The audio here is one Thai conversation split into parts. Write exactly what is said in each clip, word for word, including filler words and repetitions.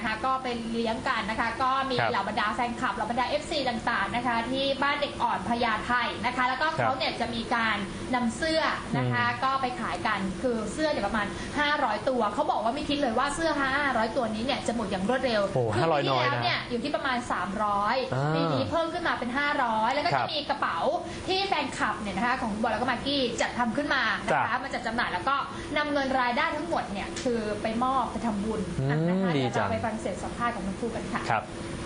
นะคะก็เป็นเลี้ยงกันนะคะก็มีเหล่าบรรดาแฟนคลับเหล่าบรรดา เอฟ ซี ต่างๆนะคะที่บ้านเด็กอ่อนพญาไทนะคะแล้วก็เขาเนี่ยจะมีการนำเสื้อนะคะก็ไปขายกันคือเสื้อเนี่ยประมาณห้าร้อยตัวเขาบอกว่าไม่คิดเลยว่าเสื้อห้าร้อยตัวนี้เนี่ยจะหมดอย่างรวดเร็วคือปีที่แล้วเนี่ยอยู่ที่ประมาณสามร้อยปีนี้เพิ่มขึ้นมาเป็นห้าร้อยแล้วก็จะมีกระเป๋าที่แฟนคลับเนี่ยนะคะของบอลแล้วก็มากกี้จัดทำขึ้นมานะคะมาจัดจำหน่ายแล้วก็นำเงินรายได้ทั้งหมดเนี่ยคือไปมอบไปทำบุญนะคะเดี๋ยวเราไปฟังเสียงสัมภาษณ์ของทั้งคู่กันค่ะครับ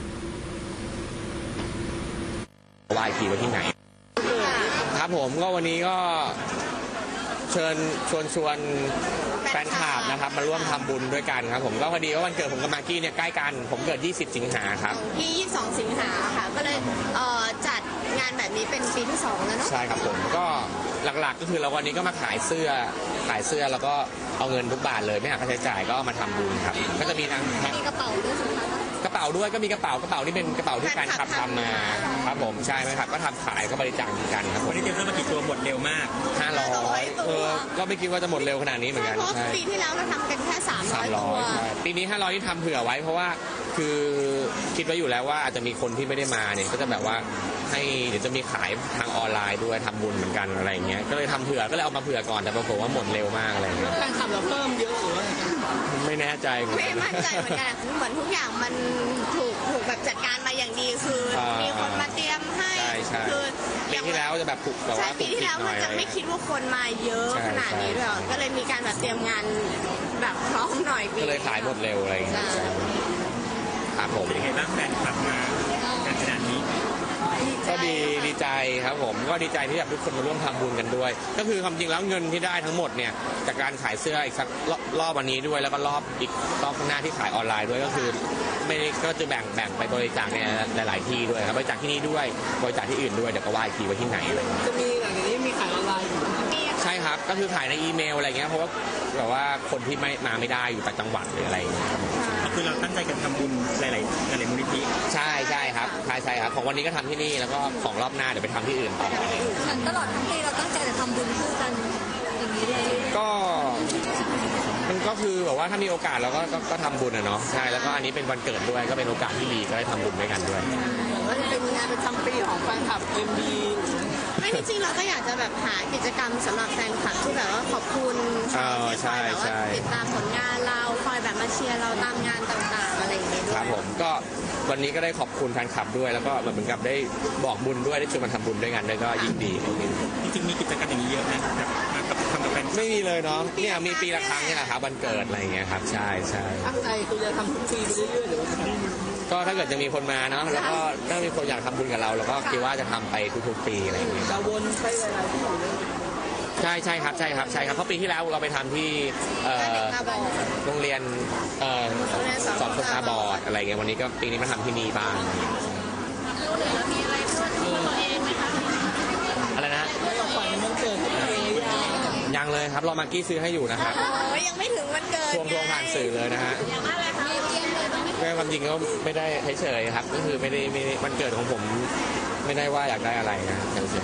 วายขี่ไว้ที่ไหนครับผมก็วันนี้ก็เชิญชวนชวนแฟนคลับนะครับมาร่วมทำบุญด้วยกันครับผมก็พอดีว่าวันเกิดผมกับมากกี้เนี่ยใกล้กันผมเกิดยี่สิบสิงหาครับที่ยี่สิบสองสิงหาค่ะก็เลยจัดงานแบบนี้เป็นปีที่สองแล้วเนาะใช่ครับผมก็หลักๆก็คือเราวันนี้ก็มาขายเสื้อขายเสื้อแล้วก็เอาเงินทุกบาทเลยไม่หักค่าใช้จ่ายก็มาทำบุญครับก็จะมีทั้งมีกระเป๋าด้วยใช่ไหมคะกระเป๋าด้วยก็มีกระเป๋ากระเป๋าที่เป็นกระเป๋าที่แฟนคลับทำมาครับผมใช่ไหมครับก็ทำขายก็บริจาคกันครับวันนี้เตรียมเสื้อมากี่ตัวหมดเร็วมากห้าร้อยเออก็ไม่คิดว่าจะหมดเร็วขนาดนี้เหมือนกันใช่ปีที่แล้วเราทำกันแค่สามร้อยตัวปีนี้ห้าร้อยที่ทำเผื่อไว้เพราะว่าคือคิดไว้อยู่แล้วว่าอาจจะมีคนที่ไม่ได้มาเนี่ยก็จะแบบว่าให้เดี๋ยวจะมีขายทางออนไลน์ด้วยทำบุญเหมือนกันอะไรเงี้ยก็เลยทำเผื่อก็เลยเอามาเผื่อก่อนแต่ปรากฏว่าหมดเร็วมากอะไรเงี้ยแฟนคลับเราเพิ่มเยอะหรือว่าไม่แน่ใจไม่มั่นใจเหมือนกันเหมือนทุกอย่างมันถูกถูกแบบจัดการมาอย่างดีคือมีคนมาเตรียมให้คือปีที่แล้วจะแบบปลุกแบบว่าปีที่แล้วมันจะไม่คิดว่าคนมาเยอะขนาดนี้ด้วยก็เลยมีการแบบเตรียมงานแบบพร้อมหน่อยก็เลยขายหมดเร็วอะไรเงี้ยครับผมเป็นไงบ้างแฟนคลับมาขนาดนี้ก็ดีดีใจครับผมก็ดีใจที่แบบทุกคนมาร่วมทำบุญกันด้วยก็คือความจริงแล้วเงินที่ได้ทั้งหมดเนี่ยจากการขายเสื้ออีกสักรอบวันนี้ด้วยแล้วก็รอบอีกรอบข้างหน้าที่ขายออนไลน์ด้วยก็คือไม่ก็จะแบ่งแบ่งไปบริจาคในหลายๆที่ด้วยครับบริจาคที่นี่ด้วยบริจาคที่อื่นด้วยเดี๋ยวก็ว่าอีกทีว่าที่ไหนอะไรจะมีหลังจากนี้มีขายออนไลน์ใช่ครับก็คือขายในอีเมลอะไรเงี้ยเพราะว่าแบบว่าคนที่ไม่มาไม่ได้อยู่ต่างจังหวัดหรืออะไรเงี้ยคือเราตั้งใจกันทำบุญหลายๆหลายๆมูลนิธิใช่ใช่ครับใช่ใช่ครับของวันนี้ก็ทำที่นี่แล้วก็ของรอบหน้าเดี๋ยวไปทำที่อื่นต่อตลอดทั้งปีเราตั้งใจจะทำบุญคู่กันอย่างนี้เลยก็มันก็คือแบบว่าถ้ามีโอกาสเราก็ก็ทำบุญอะเนาะใช่แล้วก็อันนี้เป็นวันเกิดด้วยก็เป็นโอกาสที่ดีก็ได้ทำบุญด้วยกันด้วยว่าจะเป็นงานประจำปีของแฟนคลับ เอ็ม บี ไม่จริงๆเราก็อยากจะแบบหากิจกรรมสำหรับแฟนคลับที่แบบว่าขอบคุณที่คอยแบบว่าติดตามผลงานเราคอยแบบมาเชียร์เราตามงานต่างๆอะไรอย่างเงี้ยด้วยครับผมก็วันนี้ก็ได้ขอบคุณแฟนคลับด้วยแล้วก็เหมือนกับได้บอกบุญด้วยได้ชวนมาทำบุญด้วยกันด้วยก็ยิ่งดีจริงๆมีกิจกรรมอย่างนี้เยอะนะกับทำกับแฟนไม่มีเลยเนาะเนี่ยมีปีละครั้งนี่แหละครับวันเกิดอะไรอย่างเงี้ยครับใช่ใช่ตั้งใจคือจะทำทุกปีไปเรื่อยๆหรือว่าก็ถ้าเกิดจะมีคนมาเนาะแล้วก็ถ้ามีคนอยากทำบุญกับเราเราก็คิดว่าจะทำไปทุกๆปีอะไรอย่างเงี้ยจะวนไปหลายๆที่ใช่ใช่ครับใช่ครับใช่ครับเพราะปีที่แล้วเราไปทำที่โรงเรียนสอนคนตาบอดอะไรเงี้ยวันนี้ก็ปีนี้มาทำที่นี่บ้างมีอะไรเพื่อตัวเองไหมคะอะไรนะขวัญวันเกิดตัวเองยังเลยครับรอมากกี้ซื้อให้อยู่นะครับยังไม่ถึงวันเกิดทวงทวงผ่านสื่อเลยนะฮะยังอะไรคะแม่ความจริงก็ไม่ได้เฉยๆครับก็คือไม่ได้ไม่ได้วันเกิดของผมไม่ได้ว่าอยากได้อะไรนะเฉย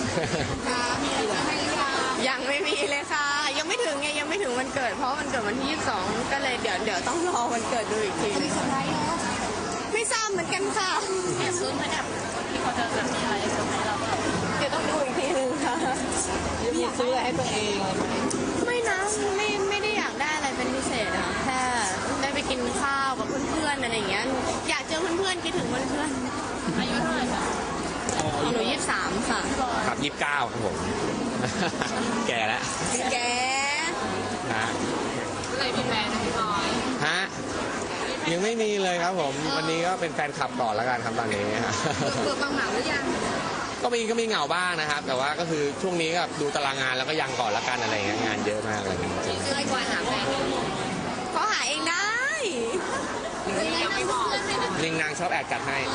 ๆยังไม่มีเลยค่ะยังไม่ถึงไงยังไม่ถึงวันเกิดเพราะวันเกิดวันที่ยี่สิบสองก็เลยเดี๋ยวเดี๋ยวต้องรอวันเกิดดูอีกทีนึงไม่ทราบเหมือนกันค่ะแอบซื้อมาแบบที่เขาจะแบบมีอะไรเซอร์ไพรส์เราเดี๋ยวต้องดูอีกทีนึงค่ะมีซื้ออะไรให้ตัวเองไม่นะไม่ไม่ได้อยากได้อะไรเป็นพิเศษอะแค่ได้ไปกินข้าวกับเพื่อนๆอะไรอย่างเงี้ยอยากเจอเพื่อนๆคิดถึงเพื่อนๆอายุเท่าไหร่คะหนูยี่สิบสามค่ะครับยี่สิบเก้าครับผมแก่แล้วแก่ฮะเลยมีแฟนพี่น้อยฮะยังไม่มีเลยครับผมวันนี้ก็เป็นแฟนคลับก่อนแล้วกันครับตอนนี้ฮะเบื่อฟังเหงาหรือยังก็มีก็มีเหงาบ้างนะครับแต่ว่าก็คือช่วงนี้ก็ดูตารางงานแล้วก็ยังก่อนแล้วกันอะไรเงี้ยงานเยอะมากเลยเจอไอ้กวาดหาแฟนเขาหาเองได้ยังไม่บอกลิงนางชอบแอบจัดให้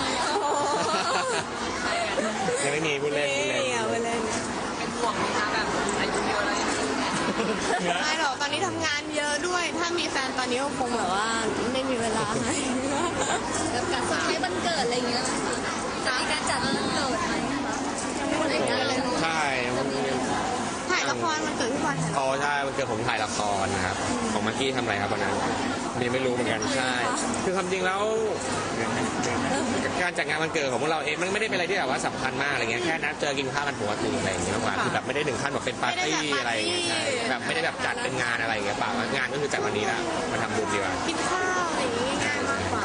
ยังไม่มีพูดเล่นพูดเล่นเป็นห่วงไหมคะแบบอายุเยอะแล้วไม่หรอกตอนนี้ทำงานเยอะด้วยถ้ามีแฟนตอนนี้ก็คงแบบว่าไม่มีเวลาให้แล้วการใช้วันเกิดอะไรเงี้ยจะมีการจัดวันเกิดไหมใช่ถ่ายละครวันเกิดพี่บอลอ๋อใช่วันเกิดผมถ่ายละครนะครับของมากกี้ทำอะไรครับวันนั้นนี่ไม่รู้เหมือนกันใช่คือความจริงแล้วการจัดงานวันเกิดของพวกเราเองมันไม่ได้เป็นอะไรที่แบบว่าสำคัญมากอะไรเงี้ยแค่นัดเจอกินข้าวกันปกติอะไรอย่างเงี้ยมากกว่าคือแบบไม่ได้ถึงขั้นแบบเป็นปาร์ตี้อะไรอย่างเงี้ยใช่แบบไม่ได้แบบจัดเป็นงานอะไรอย่างเงี้ยเปล่างานก็คือจัดวันนี้ละมาทำบุญดีกว่ากินข้าวอะไรอย่างงี้ง่ายมากกว่า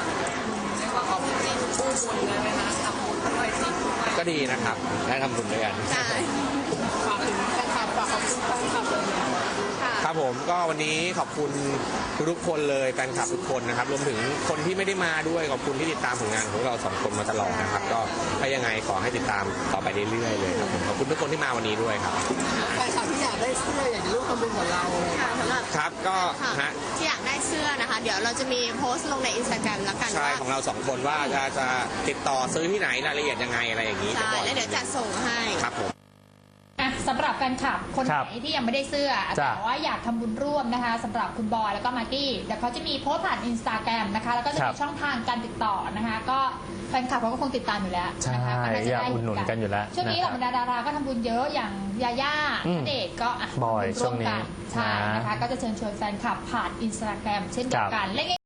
ก็ดีนะครับได้ทำบุญด้วยกันใช่ฝากถึงแฟนคลับฝากขอบคุณแฟนคลับเลยค่ะครับผมก็วันนี้ขอบคุณทุกๆคนเลยแฟนคลับทุกคนนะครับรวมถึงคนที่ไม่ได้มาด้วยขอบคุณที่ติดตามผลงานของเราสองคนมาตลอดนะครับก็ถ้ายังไงขอให้ติดตามต่อไปเรื่อยๆเลยครับผมขอบคุณทุกคนที่มาวันนี้ด้วยครับแฟนคลับที่อยากได้เสื้ออยากจะร่วมทำบุญกับเราค่ะสำหรับครับก็ค่ะฮะที่อยากได้เสื้อนะคะ เดี๋ยวเราจะมีโพสต์ลงในอินสตาแกรมแล้วกันใช่ว่าของเราสองคนว่าจะจะติดต่อซื้อที่ไหนรายละเอียดยังไงอะไรอย่างนี้ใช่บอกแล้วเดี๋ยวจะส่งให้ครับผมอ่ะสำหรับแฟนคลับคนไหครับนที่ยังไม่ได้เสื้อจ้ะแต่ว่าอยากทำบุญร่วมนะคะสำหรับคุณบอยแล้วก็มากกี้เดี๋ยวเขาจะมีโพสต์ผ่านอินสตาแกรมนะคะแล้วก็จะครัมีบช่องทางการติดต่อนะคะ ก็แฟนคลับเขาก็คงติดตามอยู่แล้วใช่นะคะก็น่าจะอยากได้อุดหนุนกันอยู่แล้วช่วงนี้เหนะล่าครับบรรดาดาราก็ทำบุญเยอะอย่างยาย่าอืมณเดชน์ก็อ่ะบ่อยทำบุญร่วมกันช่วงนี้ใช่นะนะคะก็จะเชิญชวนแฟนคลับผ่านอินสตาแกรมเช่นเดียวกันและ